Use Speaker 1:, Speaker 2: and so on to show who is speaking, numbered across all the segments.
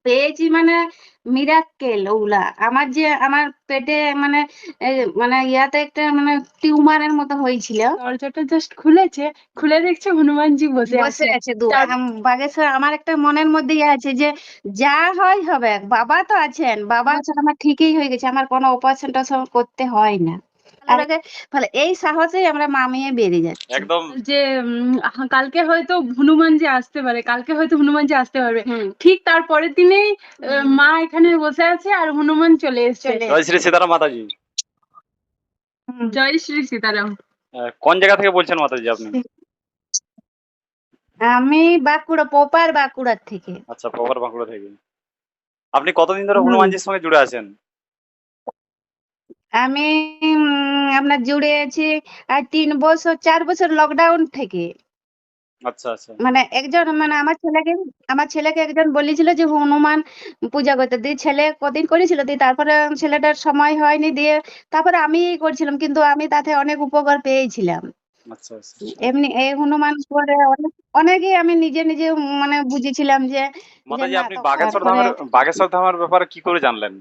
Speaker 1: পেয়েছি মানে মিরাক্কেল ওগুলা। আমার পেটে মানে এ মানে ইয়াতে একটা মানে টিউমারের মতো হয়েছিল।
Speaker 2: দরজাটা জাস্ট খুলেছে, খুলে দেখছে হনুমানজি বসে
Speaker 1: বসে
Speaker 2: আছে।
Speaker 1: আছে
Speaker 2: তার
Speaker 1: বাগেশ্বর আমার একটা মনের মধ্যে ইয়ে আছে যে যা হয় হবে। বাবা তো আছেন। বাবা আছেন আমার ঠিকই হয়ে গেছে। আমার কোনো অপারেশন-টপারেশন করতে হয় না। ভালো লাগে ফলে এই সাহসেই আমরা মামিয়ে বেরিয়ে যাচ্ছি।
Speaker 3: একদম
Speaker 2: যে কালকে হয়তো হনুমানজি আসতে পারে, কালকে হয়তো হনুমানজি আসতে পারবে।
Speaker 1: হুম।
Speaker 2: ঠিক তার পরের দিনেই মা এখানে বসে আছে আর হনুমান চলে এসছে।
Speaker 3: জয় শ্রী সীতারাম মাতাজি।
Speaker 1: হুম।
Speaker 2: জয় শ্রী সীতারাম।
Speaker 3: কোন জায়গা থেকে বলছেন মাতাজি আপনি?
Speaker 1: আমি প্রপার বাঁকুড়ার থেকে।
Speaker 3: আচ্ছা, প্রপার বাঁকুড়া থেকে। আপনি কতদিন ধরে
Speaker 1: হুম।
Speaker 3: হনুমানজির সঙ্গে জুড়ে আছেন?
Speaker 1: আমি আপনার জুড়ে আছি ৩ বছর ৪ বছর লকডাউন থেকে।
Speaker 3: আচ্ছা, আচ্ছা।
Speaker 1: মানে একজন মানে আমার ছেলেকে একজন বলেছিল যে হনুমান পূজা করতে। দিয়ে ছেলে কদিন করেছিল। দিয়ে তারপরে ছেলেটার সময় হয়নি। দিয়ে তারপরে আমিই করছিলাম। কিন্তু আমি তাতে অনেক উপকার পেয়েছিলাম।
Speaker 3: আচ্ছা, আচ্ছা।
Speaker 1: এমনি এই হনুমান করে অনেকেই আমি নিজে মানে বুঝেছিলাম যে
Speaker 3: মাতাজি
Speaker 1: না
Speaker 3: আপনি
Speaker 1: তারপরে
Speaker 3: বাগেশ্বর ধামের ব্যাপারে কি করে জানলেন?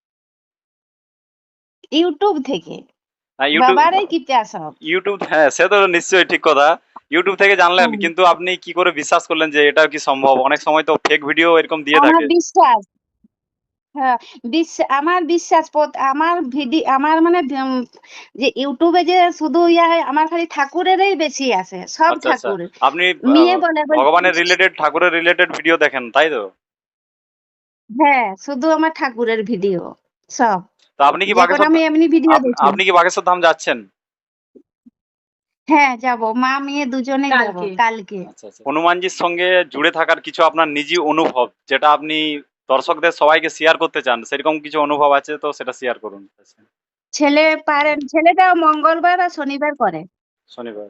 Speaker 1: ইউটিউব থেকে।
Speaker 3: ইউটিউব
Speaker 1: বাবারই কৃপা সব।
Speaker 3: ইউটিউব, হ্যাঁ, সে তো নিশ্চয়ই ঠিক কথা। ইউটিউব থেকে জানলেন,
Speaker 1: হুম।
Speaker 3: কিন্তু আপনি কি করে বিশ্বাস করলেন যে এটা কি সম্ভব? অনেক সময় তো ফেক ভিডিও এরকম দিয়ে
Speaker 1: আমার
Speaker 3: থাকে।
Speaker 1: বিশ্বাস হ্যাঁ, আমার বিশ্বাস আমার মানে যে ইউটিউবে যে শুধু ইয়া হয় আমার খালি ঠাকুরেরই বেশি আসে। সব
Speaker 3: আচ্ছা, আচ্ছা।
Speaker 1: ঠাকুর।
Speaker 3: আপনি
Speaker 1: মেয়ে বলে
Speaker 3: ভগবানের রিলেটেড, ঠাকুরের রিলেটেড ভিডিও দেখেন, তাই তো?
Speaker 1: হ্যাঁ, শুধু আমার ঠাকুরের ভিডিও সব।
Speaker 3: তো আপনি কি
Speaker 1: যেকোনো আমি এমনি ভিডিও দেখি।
Speaker 3: আপনি কি বাগেশ্বর ধাম যাচ্ছেন?
Speaker 1: হ্যাঁ, যাবো। মা মেয়ে দুজনেই যাবো
Speaker 2: কালকে।
Speaker 1: কালকে।
Speaker 3: আচ্ছা, আচ্ছা। হনুমানজির সঙ্গে জুড়ে থাকার কিছু আপনার নিজি অনুভব, যেটা আপনি দর্শকদের সবাইকে শেয়ার করতে চান, সেরকম কিছু অনুভব আছে তো সেটা শেয়ার করুন।
Speaker 1: ছেলেটা মঙ্গলবার আর শনিবার করে।
Speaker 3: শনিবার।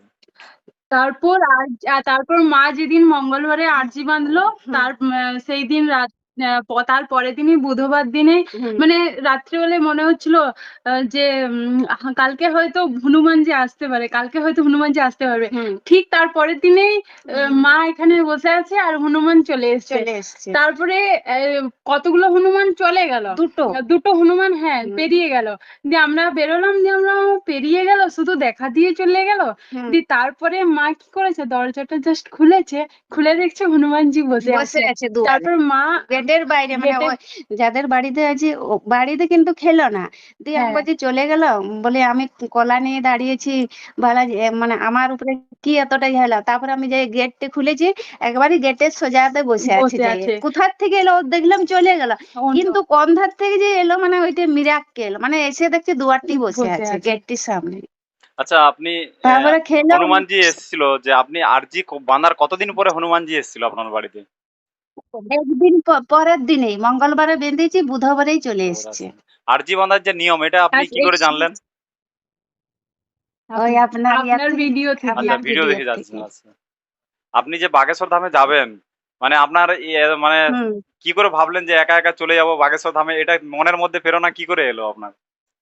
Speaker 2: তারপর মা যেদিন মঙ্গলবারে আরজি বাঁধলো, সেই দিন তার পরের দিনই বুধবার দিনে
Speaker 1: হুম।
Speaker 2: মানে রাত্রিবেলায় মনে হচ্ছিল যে কালকে হয়তো হনুমানজি আসতে পারে, কালকে হয়তো হনুমানজি আসতে পারবে।
Speaker 1: হুম।
Speaker 2: ঠিক তার পরের দিনেই মা এখানে বসে আছে আর হনুমান চলে এসছে। তারপরে কতগুলো হনুমান চলে গেল, দুটো হনুমান হ্যাঁ পেরিয়ে গেল। দিয়ে আমরা বেরোলাম, দিয়ে আমরা পেরিয়ে গেল, শুধু দেখা দিয়ে চলে গেল। দিয়ে তারপরে মা কি করেছে, দরজাটা জাস্ট খুলেছে, খুলে দেখছে হনুমানজি বসে আছে। তারপর মা
Speaker 1: গেটের বাইরে মানে যাদের বাড়িতে আছে বাড়িতে কিন্তু খেলো না। দিয়ে আমি বলছি চলে গেল। বলে আমি কলা নিয়ে দাঁড়িয়েছি। বালাজি মানে আমার উপরে কি এতটা ঝালা। তারপরে আমি যে গেটটা খুলেছি একবারই গেটের সোজাতে বসে আছে। কোথার থেকে এলো দেখলাম চলে গেল। কিন্তু কোন ধার থেকে যে এলো মানে ওইটা মিরাক্কেল। মানে এসে দেখছি দুয়ারটি বসে আছে গেটটির সামনে।
Speaker 3: আচ্ছা, আপনি
Speaker 1: তারপরে খেলো।
Speaker 3: হনুমানজি এসেছিল যে আপনি আরজি বাঁধার কতদিন পরে হনুমানজি এসেছিল আপনার বাড়িতে?
Speaker 1: একদিন পরের দিনেই মঙ্গলবারে বেঁধেছি বুধবারেই চলে এসছে।
Speaker 3: আরজি বাঁধার যে নিয়ম, এটা আপনি কি করে জানলেন?
Speaker 1: ওই
Speaker 2: আপনার ভিডিও থেকে।
Speaker 3: আচ্ছা, ভিডিও দেখে যাচ্ছেন। আচ্ছা, আপনি যে বাগেশ্বর ধামে যাবেন, মানে আপনার মানে
Speaker 1: হুম।
Speaker 3: কি করে ভাবলেন যে একা একা চলে যাব বাগেশ্বর ধামে? এটা মনের মধ্যে প্রেরণা কি করে এলো আপনার?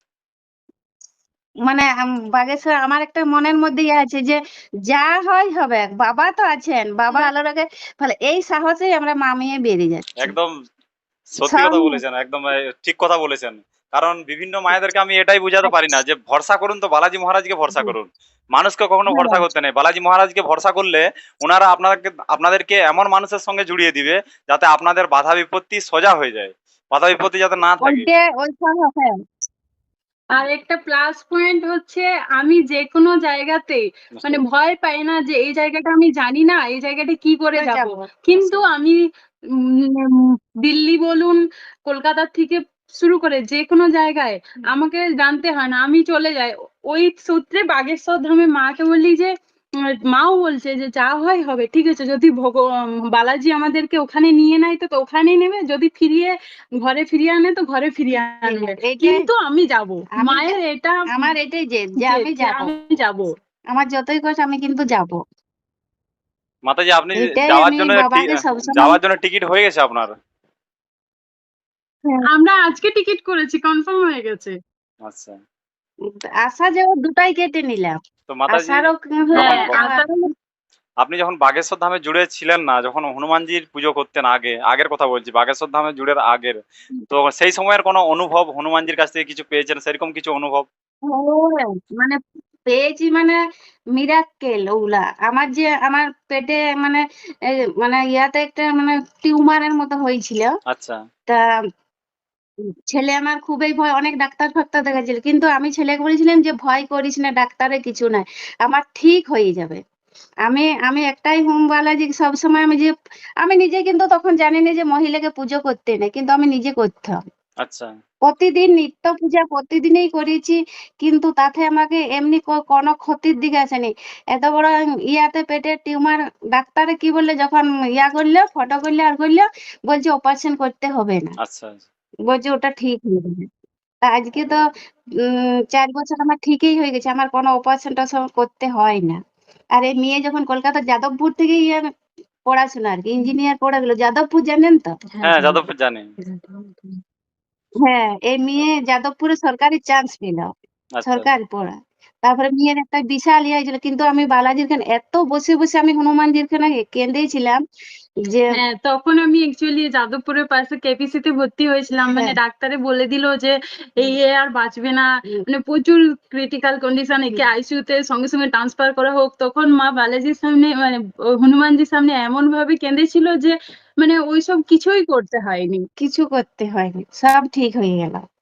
Speaker 1: মানে বাগেশ্বর আমার একটা মনের মধ্যে ইয়ে আছে যে যা হয় হবে। বাবা তো আছেন। বাবা আলো রাখে ফলে এই সাহসেই আমরা মামিয়ে বেরিয়ে যাচ্ছি।
Speaker 3: একদম সত্যি
Speaker 1: সব
Speaker 3: কথা বলেছেন, একদম ঠিক কথা বলেছেন। কারণ বিভিন্ন মায়েদেরকে আমি এটাই বুঝাতে পারি না যে ভরসা করুন, তো বালাজি মহারাজকে ভরসা করুন। মানুষকে কখনো ভরসা করতে নেই। বালাজি মহারাজকে ভরসা করলে ওনারা আপনাদেরকে এমন মানুষের সঙ্গে জুড়িয়ে দিবে যাতে আপনাদের বাধা বিপত্তি সোজা হয়ে যায়। বাধা বিপত্তি যাতে না থাকে।
Speaker 1: ওই সাহস হ্যাঁ।
Speaker 2: আর একটা প্লাস পয়েন্ট হচ্ছে আমি যে কোনো জায়গাতে মানে ভয় পাই না যে এই জায়গাটা আমি জানি না, এই জায়গাটা কি করে যাব। কিন্তু আমি দিল্লি বলুন, কলকাতার থেকে শুরু করে যে কোনো জায়গায় আমাকে জানতে হয় না, আমি চলে যাই। ওই সূত্রে বাগেশ্বর ধামে মাকে বলি যে মাও বলছে যে যা হয় হবে, ঠিক আছে। যদি বালাজি আমাদেরকে ওখানে নিয়ে নেয় তো ওখানেই নেবে, যদি ঘরে ফিরিয়ে আনে তো ঘরে ফিরিয়ে আনবে, কিন্তু আমি যাব। মায়ের এটা
Speaker 1: আমার এটাই যে আমি
Speaker 2: যাব।
Speaker 1: আমার যতই কষ্ট আমি কিন্তু যাব।
Speaker 3: মাতাজি, আপনি
Speaker 1: এটাই
Speaker 3: যাওয়ার
Speaker 1: আমি
Speaker 3: জন্য
Speaker 1: বাবাকে সবসময়
Speaker 3: যাওয়ার জন্য টিকিট হয়ে গেছে আপনার?
Speaker 2: আমরা আজকে টিকিট করেছি, কনফার্ম হয়ে গেছে।
Speaker 3: আচ্ছা।
Speaker 1: আসা যাওয়া দুটাই কেটে নিলাম।
Speaker 3: তো মাতাজি,
Speaker 1: আসারও
Speaker 3: আপনি যখন বাগেশ্বর ধামে জুড়ে ছিলেন না, যখন হনুমানজির পুজো করতেন আগের কথা বলছি, বাগেশ্বর ধামে জুড়ের আগের, তো সেই সময়ের কোনো অনুভব হনুমানজির কাছ থেকে কিছু পেয়েছেন, সেরকম কিছু অনুভব?
Speaker 1: হ্যাঁ, মানে পেয়েছি মানে মিরাক্কেল ওগুলা। আমার পেটে মানে মানে ইয়াতে একটা মানে টিউমারের মতো হয়েছিল।
Speaker 3: আচ্ছা,
Speaker 1: তা ছেলে আমার খুবই ভয়, অনেক ডাক্তার ফাক্তার দেখাচ্ছিল, কিন্তু আমি ছেলেকে বলেছিলাম যে ভয় করিস না, ডাক্তারে কিছু নাই, আমার ঠিক হয়ে যাবে। আমি একটাই হোম বালাজি সবসময় আমি নিজে কিন্তু তখন জানি না যে মহিলাকে পুজো করতে নেই, কিন্তু আমি নিজে করতাম।
Speaker 3: আচ্ছা,
Speaker 1: প্রতিদিন নিত্য পূজা প্রতিদিনই করেছি, কিন্তু তাতে আমাকে এমনি কোনো ক্ষতির দিকে আসেনি। এত বড় ইয়াতে পেটের টিউমার, ডাক্তারে কি বললে যখন ইয়া করলো, ফটো করলে আর করলো, বলছে অপারেশন করতে হবে না,
Speaker 3: আচ্ছা,
Speaker 1: বলছে ওটা ঠিক হয়ে যাবে। তা আজকে তো ৪ বছর আমার ঠিকই হয়ে গেছে, আমার কোনো অপারেশন টারেশন করতে হয় না। আর এই মেয়ে যখন কলকাতা যাদবপুর থেকে পড়াশোনা আর কি, ইঞ্জিনিয়ার পড়ে গেল যাদবপুর, জানেন তো?
Speaker 3: হ্যাঁ, যাদবপুর জানি।
Speaker 1: হ্যাঁ, এই মেয়ে যাদবপুরে সরকারি চান্স পেল,
Speaker 3: আচ্ছা,
Speaker 1: সরকারি পড়া। তারপরে মেয়ের একটা বিশাল ইয়ে হয়েছিল, কিন্তু আমি বালাজির খানে এত বসে বসে আমি হনুমানজির খানে কেঁদেছিলাম যে
Speaker 2: হ্যাঁ, তখন আমি অ্যাকচুয়ালি যাদবপুরের পাশে কেপিসি তে ভর্তি হয়েছিলাম। মানে
Speaker 1: হ্যাঁ,
Speaker 2: ডাক্তারে বলে দিল যে এই এ আর বাঁচবে না, মানে প্রচুর ক্রিটিক্যাল কন্ডিশন, একে আইসিইউ তে সঙ্গে সঙ্গে ট্রান্সফার করা হোক। তখন মা বালাজির সামনে মানে হনুমানজির সামনে এমন ভাবে কেঁদেছিল যে মানে ওইসব কিছুই করতে হয়নি।
Speaker 1: কিছু করতে হয়নি, সব ঠিক হয়ে গেল।